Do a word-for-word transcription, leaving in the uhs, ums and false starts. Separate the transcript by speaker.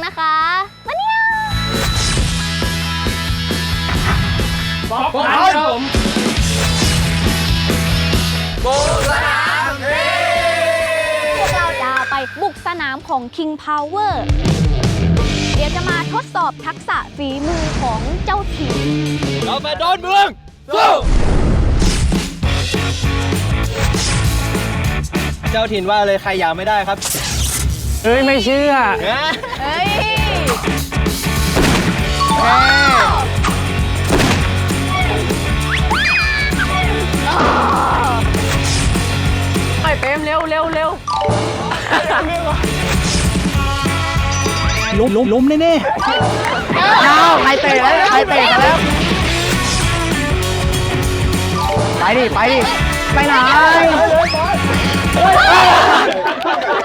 Speaker 1: นะคะมาเนี่ย
Speaker 2: บอกไปครับผมบุกสนามเฮ้
Speaker 1: พวกเราจะไปบุกสนามของ King Power เดี๋ยวจะมาทดสอบทักษะฝีมือของเจ้าถิ่น
Speaker 2: เราไปโดนเมืองสู้เจ้าถิ่นว่าเลยใครยาวไม่ได้ครับ
Speaker 3: เฮ้ย ไม่เชื่อ
Speaker 1: เฮ้ย
Speaker 3: ไปเต็มเร็วเร็วเร็วล้มล้มล้มแน่ๆอ้าวใครเตะแล้วใครเตะกันแล้ว ไปดิ ไปดิ ไปไหน